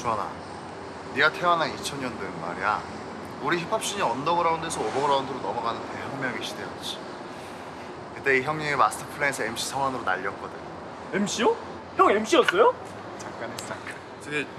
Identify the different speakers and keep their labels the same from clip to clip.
Speaker 1: 주환아, 네가 태어난 2000년도엔 말이야, 우리 힙합씬이 언더그라운드에서 오버그라운드로 넘어가는 대혁명의 시대였지. 그때 이 형님이 마스터 플랜에서 MC 성환으로 날렸거든.
Speaker 2: MC요? 형 MC였어요?
Speaker 1: 잠깐 했어, 잠깐.
Speaker 3: 저게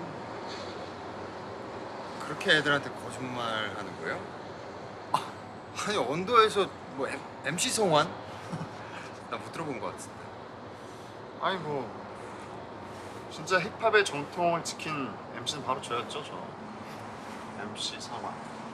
Speaker 3: 그렇게 애들한테 거짓말 하는 거예요? 아니 언더에서 뭐 MC 성환? 나 못 들어본 것 같은데.
Speaker 1: 아니 뭐 진짜 힙합의 정통을 지킨 MC는 바로 저였죠, 저. MC 성환.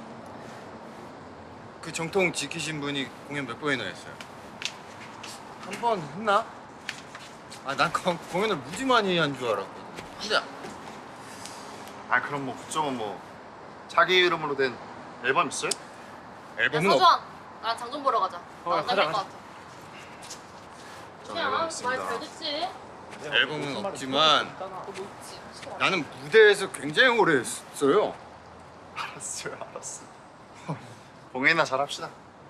Speaker 3: 그 정통 지키신 분이 공연 몇 번이나 했어요? 한 번 했나? 아, 난 공연을 무지 많이 한 줄 알았거든. 근데
Speaker 1: 아 그럼 뭐 그쪽은 뭐 자기 이름으로 된 앨범 있어요?
Speaker 4: 야
Speaker 3: 앨범은 없...
Speaker 4: 서주환, 나랑 장좀 보러 가자. 안
Speaker 2: 가자,
Speaker 4: 날릴 것
Speaker 2: 가자.
Speaker 4: 같아.
Speaker 1: 전 앨범
Speaker 4: 말
Speaker 1: 있습니다.
Speaker 4: 잘 듣지?
Speaker 3: 앨범은 없지만 나는 무대에서 굉장히 오래 했어요.
Speaker 1: 알았어요, 알았어. 공연이나 잘합시다.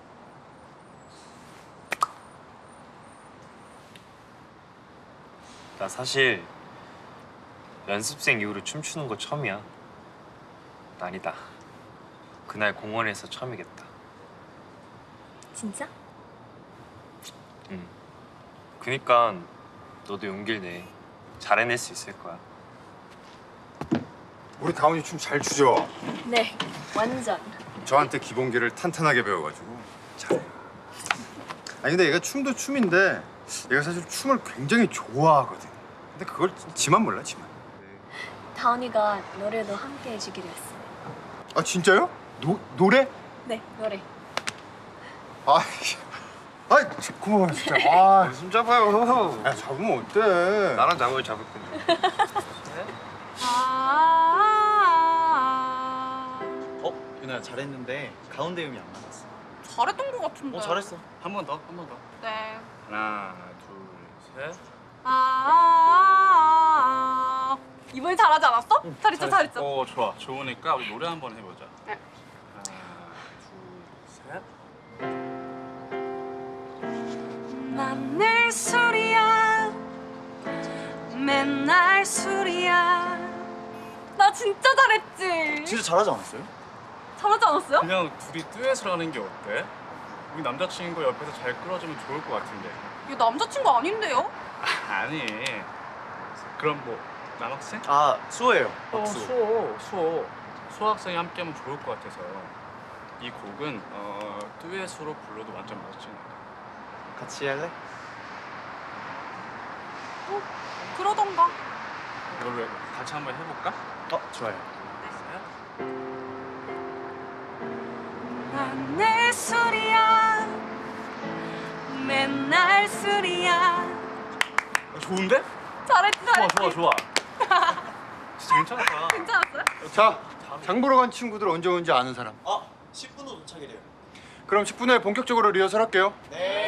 Speaker 5: 나 사실 연습생 이후로 춤추는 거 처음이야. 아니다. 그날 공원에서 처음이겠다.
Speaker 6: 진짜?
Speaker 5: 응. 그니까 너도 용기를 내. 잘 해낼 수 있을 거야.
Speaker 3: 우리 다운이 춤 잘 추죠?
Speaker 6: 네, 완전.
Speaker 3: 저한테 기본기를 탄탄하게 배워가지고 잘해요. 아니 근데 얘가 춤도 춤인데 얘가 사실 춤을 굉장히 좋아하거든. 근데 그걸 지만 몰라, 지만.
Speaker 6: 다운이가 노래도 함께 해주기로 했어.
Speaker 3: 아 진짜요? 노래?
Speaker 6: 네, 노래.
Speaker 3: 아, 고마워 진짜. 아,
Speaker 5: 숨 잡아요.
Speaker 3: 야 잡으면 어때?
Speaker 5: 나랑 잡을 건데.
Speaker 7: 유나야 잘했는데 가운데 음이 안 맞았어.
Speaker 4: 잘했던 것 같은데.
Speaker 7: 잘했어. 한 번 더, 한 번 더.
Speaker 4: 네.
Speaker 7: 하나, 둘, 셋.
Speaker 4: 이번에 잘하지 않았어? 잘했죠, 잘했죠.
Speaker 7: 좋아. 좋으니까 우리 노래 한번 해보자.
Speaker 4: 네.
Speaker 7: 하나, 둘, 셋.
Speaker 8: 난 늘 술이야 맨날 술이야.
Speaker 4: 나 진짜 잘했지.
Speaker 7: 진짜 잘하지 않았어요?
Speaker 4: 잘하지 않았어요?
Speaker 7: 그냥 둘이 듀엣을 하는 게 어때? 우리 남자친구 옆에서 잘 끌어주면 좋을 것 같은데.
Speaker 4: 이거 남자친구 아닌데요?
Speaker 7: 아니. 그럼 뭐 남학생?
Speaker 2: 아 수호예요.
Speaker 7: 수학생이 함께하면 좋을 것 같아서. 이 곡은 듀엣으로 불러도 완전 멋진 거야.
Speaker 2: 같이 할래?
Speaker 4: 그러던가.
Speaker 7: 이걸로 같이 한번 해볼까?
Speaker 2: 좋아요.
Speaker 8: 난 늘 술이야 맨날 술이야.
Speaker 7: 좋은데?
Speaker 4: 잘했지, 잘했지.
Speaker 7: 좋아. 진짜 괜찮다.
Speaker 4: 괜찮았어요?
Speaker 3: 자, 장 보러 간 친구들 언제 오는지 아는 사람?
Speaker 2: 10분 후 도착이래요.
Speaker 3: 그럼 10분 후에 본격적으로 리허설 할게요.
Speaker 2: 네.